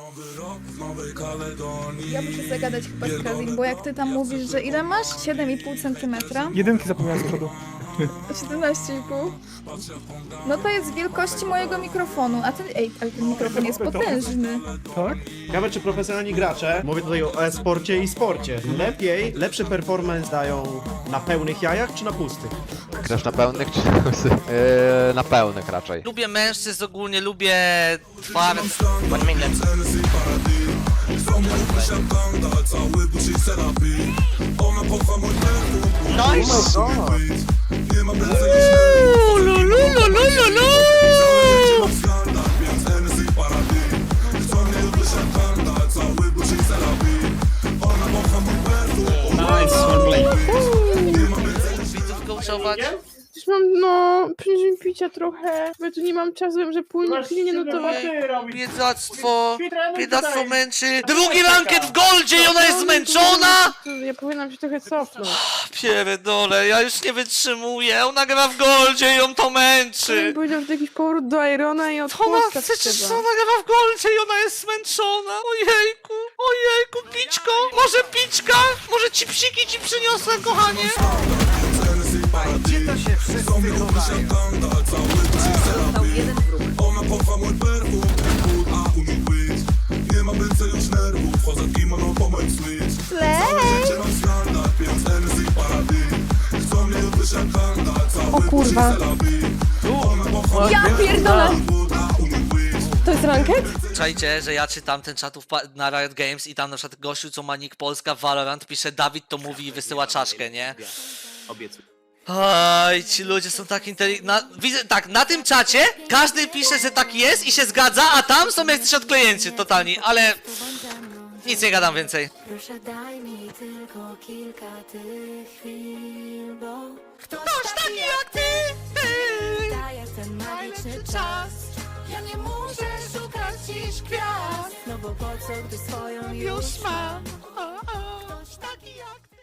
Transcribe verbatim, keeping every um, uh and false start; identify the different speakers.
Speaker 1: Ja muszę zagadać chyba z Kazim, bo jak ty tam mówisz, że ile masz? siedem i pół centymetra?
Speaker 2: Jedynki zapomniałem z przodu.
Speaker 1: siedemnaście i pół? No to jest wielkości mojego mikrofonu, a ten, ej, ale ten mikrofon jest potężny.
Speaker 2: Tak?
Speaker 3: Ciekawe, czy profesjonalni gracze, mówię tutaj o e-sporcie i sporcie, lepiej, lepszy performance dają na pełnych jajach czy na pustych?
Speaker 4: Grasz na pełnych czy na łysy? Yy, na pełnych raczej.
Speaker 5: Lubię mężczyzn ogólnie, lubię twarz. Nice! Uuu, lu, lu, lu, lu, lu, lu. Widzów coachować?
Speaker 6: Już mam, no, później picia trochę, bo ja tu nie mam czasu, wiem, że płynie pilnie, no to...
Speaker 5: Biedactwo, biedactwo męczy. Drugi ranket w goldzie i ona jest zmęczona?
Speaker 6: Ja powinnam się trochę cofnąć.
Speaker 5: Pierdolę, ja już nie wytrzymuję. Ona gra w goldzie i ją to
Speaker 6: Ja
Speaker 5: męczy.
Speaker 6: bym powiedział, że to jakiś powrót do Irona i od
Speaker 5: Ona,
Speaker 6: postaw
Speaker 5: przecież
Speaker 6: trzeba.
Speaker 5: ona gra w goldzie i ona jest zmęczona. Ojejku, ojejku, pićko. Może pićka? Może ci psiki ci przyniosę, kochanie?
Speaker 7: Gdzie to się wszyscy chowają? Został jeden wróg.
Speaker 1: O kurwa. Ja pierdolę! To jest ranket?
Speaker 5: Czajcie, że ja czytam ten czatów na Riot Games i tam na przykład gościu, co ma nick Polska Valorant, pisze Dawid to mówi i wysyła czaszkę, nie? Oj, ci ludzie są tak inteligentni. Widzę, tak, na tym czacie każdy pisze, że tak jest i się zgadza, a tam są jacyś odklejęci totalni, ale nic nie gadam więcej.
Speaker 8: Proszę daj mi tylko kilka tych chwil, bo ktoś,
Speaker 5: Ktoś taki jak ty, ty.
Speaker 8: daje ten magiczny czas. Ja nie muszę szukać dziś gwiazd, no bo po co, gdy swoją już mam.